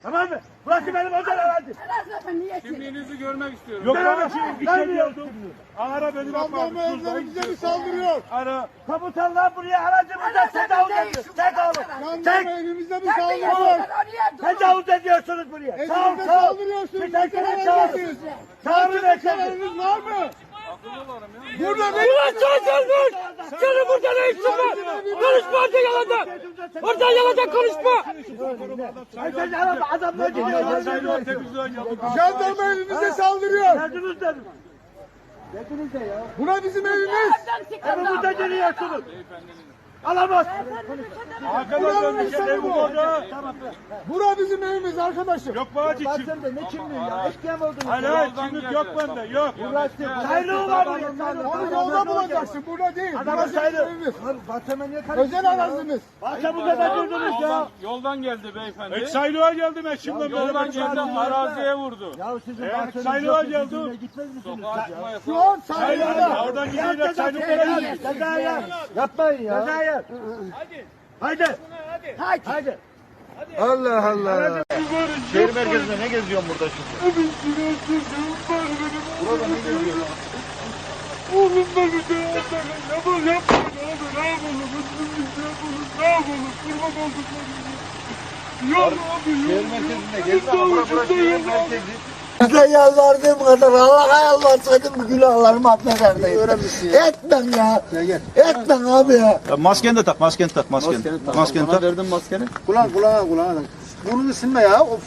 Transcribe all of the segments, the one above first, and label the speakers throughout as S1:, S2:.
S1: Tamam mı? Burası benim özel arazim.
S2: Kimliğinizi görmek istiyorum.
S1: Yok ben bir şey diyordum.
S2: Ara beni bakma.
S3: Bize mi saldırıyor?
S2: Ara.
S1: Komutanlar buraya aracımıza tecavüz ediyor.
S3: Jandarma evimize mi saldırıyor?
S1: Tecavüz ediyorsunuz buraya.
S3: Evimize saldırıyorsunuz.
S1: Bir dakika
S3: Mesela
S1: çağırın.
S3: neredesiniz?
S1: Çağırın efendim.
S3: Kararınız var mı?
S1: Burada ne? Ulan çağırın. Senin burada ne işin var? Konuşma orada yalandan. Oradan yalandan konuşma. Adamlar gidiyor.
S3: Jandarma evimize saldırıyor.
S1: Geldiniz dedim. Geldiniz de ya.
S3: Buna bizim evimiz.
S1: Evimizde geliyorsunuz. Alamaz.
S3: Buranın insanı bu. Bura bizim evimiz arkadaşım.
S2: Yok bağcı kim?
S1: Sen de ne kimliği ya? Eşkıya mı oldunuz?
S2: Hayır kimlik yok bende yok.
S1: Sayılığı var mı?
S3: Onu yolda bulacaksın. Burada değil.
S1: Adamın
S3: Burası bizim
S1: sayılı.
S3: evimiz.
S1: Bahçeme niye
S3: Özel arazimiz.
S1: Bahçemizde de durdunuz ya.
S2: Yoldan geldi beyefendi. Eksaylığa geldim eşimle
S1: Yoldan
S2: beraber
S1: geldi,
S2: araziye vurdu.
S1: Ya sizin
S2: Sayılığa geldim.
S1: gitmez misiniz?
S2: Sokağa çıkma yasağı.
S3: Şu an
S2: Sayılığa.
S3: sayılıda.
S2: Oradan gidiyorlar sayılığa gidiyor.
S1: Cezaya. Yapmayın ya. Cezaya. Haydi. Haydi.
S4: Allah Allah. Şehir merkezinde ne geziyorsun burada şimdi? Burada ne geziyorsun?
S3: Oğlum beni de yapmayın abi. Ne yapalım? Ne yapalım? Kurban olduklarım. Yok abi yok.
S4: Şehir merkezinde gezi ama burası şehir merkezi.
S5: Size yalvardığım kadar Allah'a yalvarsaydım bu günahlarımı affederdim. Etmem ya. Etmem abi ya.
S4: Maskeni de tak, maskeni tak, maskeni. Maskeni tak.
S5: Verdim maskeni. Kulağına. Burnunu silme ya. Of.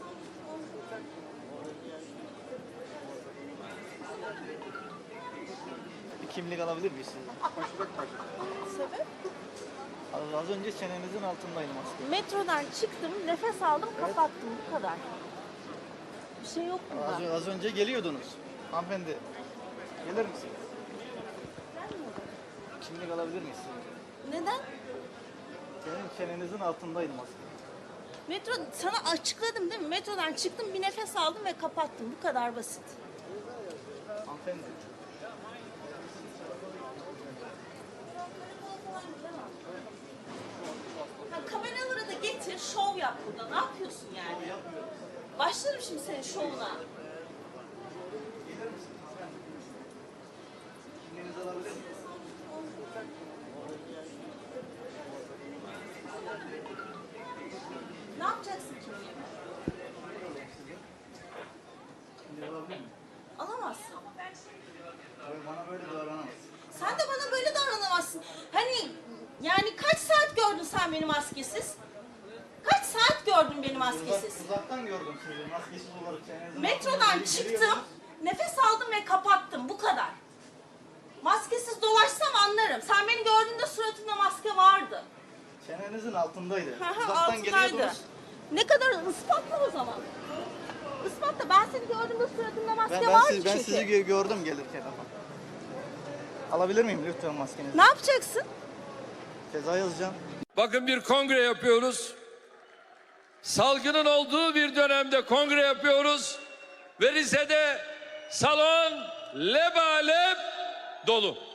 S4: Bir kimlik alabilir miyiz sizden?
S6: Sebep?
S4: Az önce çenenizin altındaydı maske.
S6: Metrodan çıktım, nefes aldım, kapattım. Bu kadar. Bir şey yok bunda.
S4: Az önce geliyordunuz. Hanımefendi, gelir misiniz? Kimlik alabilir miyiz sizden?
S6: Neden?
S4: Senin çenenizin altındaydı maske.
S6: Metro, sana açıkladım değil mi? Metrodan çıktım, bir nefes aldım ve kapattım. Bu kadar basit.
S4: Hanımefendi.
S6: Ha, kameraları da getir, şov yap burada. Ne yapıyorsun yani? Başlarım şimdi senin şovuna.
S4: Kimliğinizi alabilir miyim?
S6: Ne yapacaksın kimliğimi?
S4: Kimliği alabilir miyim?
S6: Alamazsın.
S4: Bana böyle davranamazsın.
S6: Sen de bana böyle davranamazsın. Hani yani kaç saat gördün sen beni maskesiz? Kaç saat gördün beni maskesiz?
S4: Uzaktan gördüm sizi, maskesiz olarak çenenizin
S6: Metrodan çıktım, nefes aldım ve kapattım. Bu kadar. Maskesiz dolaşsam anlarım. Sen beni gördüğünde suratımda maske vardı.
S4: Çenenizin altındaydı.
S6: Hı hı,
S4: Uzaktan
S6: altındaydı.
S4: geliyordunuz.
S6: Ne kadar ispatla o zaman. İspatla. Ben seni gördüğümde suratımda maske
S4: Ben
S6: vardı
S4: sizi,
S6: çünkü.
S4: gördüm gelirken ama. Alabilir miyim lütfen maskenizi?
S6: Ne yapacaksın?
S4: Ceza yazacağım.
S7: Bakın bir kongre yapıyoruz. Salgının olduğu bir dönemde kongre yapıyoruz. Ve Rize'de salon lebalep dolu.